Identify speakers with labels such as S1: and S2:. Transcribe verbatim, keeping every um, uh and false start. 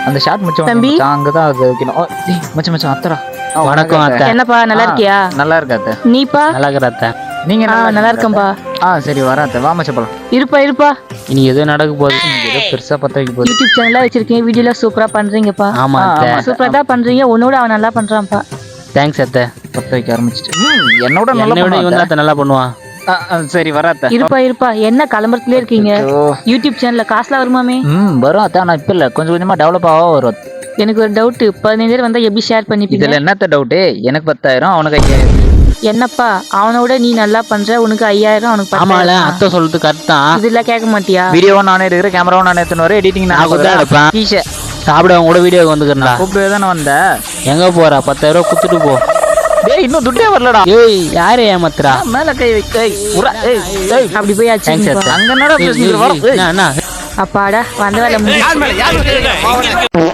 S1: அந்த ஷாட் மச்சான்
S2: தம்பி.
S1: மச்சான் அங்கதான் அது வைக்கணும். ஓ, டேய், மச்சான் மச்சான் அத்தரா. ஆ,
S3: வணக்கம் அத்தை.
S2: என்னப்பா நல்லா இருக்கியா?
S1: நல்லா இருக்கா அத்தை.
S2: நீப்பா?
S3: நல்லா இருக்கிற அத்தை.
S1: நீங்க
S2: ஆ நல்லா இருக்கேன்பா.
S1: ஆ சரி வரேன் அத்தை. வா மச்சான் போலாம்.
S2: இருப்பா இருப்பா.
S3: இனி எதோ நடக்க போகுது.
S1: ஏதோ பெருசா பத்த வைக்க போகுது.
S2: யூடியூப் சேனலா வச்சிருக்கீங்க, வீடியோலாம் சூப்பரா பண்றீங்கப்பா.
S3: ஆமா
S1: ஆ,
S3: அத்தை.
S1: ஆமா.
S2: சூப்பரா தான் பண்றீங்க, உன்னோட அவன் நல்லா பண்றான்ப்பா.
S3: தேங்க்ஸ் அத்தை.
S1: பத்த வைக்க ஆரம்பிச்சிட்டு. ம், என்னோட நல்லா
S3: என்னை விட இவன்
S1: பண்ணுவான்
S3: தான் அத்தை நல்லா பண்ணுவான்.
S1: அத்தை. ஆ, ஆ, சரி வரேன் அத்தை.
S2: இருப்பா இருப்பா. என்ன கிளம்புறதுல இருக்கீங்க?
S1: ஓ,
S2: யூடியூப் சேனல்ல காசுலாம் வருமாமே?
S1: ம் வரும் அத்தை. ஆனா இப்ப இல்ல, கொஞ்சம் கொஞ்சமா டெவலப் ஆக வரும்.
S2: எனக்கு ஒரு டவுட், பதினைந்து வந்தா எப்படி ஷேர் பண்ணிப்பீங்க?
S1: இதுல என்னத்த டவுட்டு? எனக்கு பத்தாயிரம், அவனுக்கு ஐயாயிரம்.
S2: என்னப்பா அவனோட நீ நல்லா பண்ற, உனக்கு ஐயாயிரம் அவனுக்கு
S3: ஆமால
S2: பத்தாயிரம்.
S3: அத்தை சொல்றது கரெக்ட் தான்.
S2: இதெல்லாம் கேட்க மாட்டியா?
S1: வீடியோவும் நானே எடுக்கிறேன், கேமராவும் நானே எடுத்துன்னு வரேன், எடிட்டிங்
S3: நான் கூட தான் எடுப்பேன்.
S1: கீஷே
S3: சாப்பிடவங்க கூட வீடியோக்கு வந்துக்கிறா.
S1: கூப்பிட்டு தானே வந்தேன்.
S3: எங்க போறா? பத்தாயிரம் ரூபா குத்துட்டு போ.
S1: டேய் இன்னும் துட்டே வரலடா.
S3: ஏய் யாரு ஏமாத்துறா?
S1: மேல கை வை. ஏய் உரா. ஏய் ஏய்
S2: அப்படி போய்
S3: தேங்க்ஸ்
S2: ஆச்சு.
S3: அத்தை.
S1: அங்க என்னடா
S3: ஏய்,
S1: பேசுறீங்க?
S3: ஏய்,
S1: வர.
S3: ஏய், என்ன, என்ன?
S2: அப்பாடா வந்த வேலை முடிஞ்சு.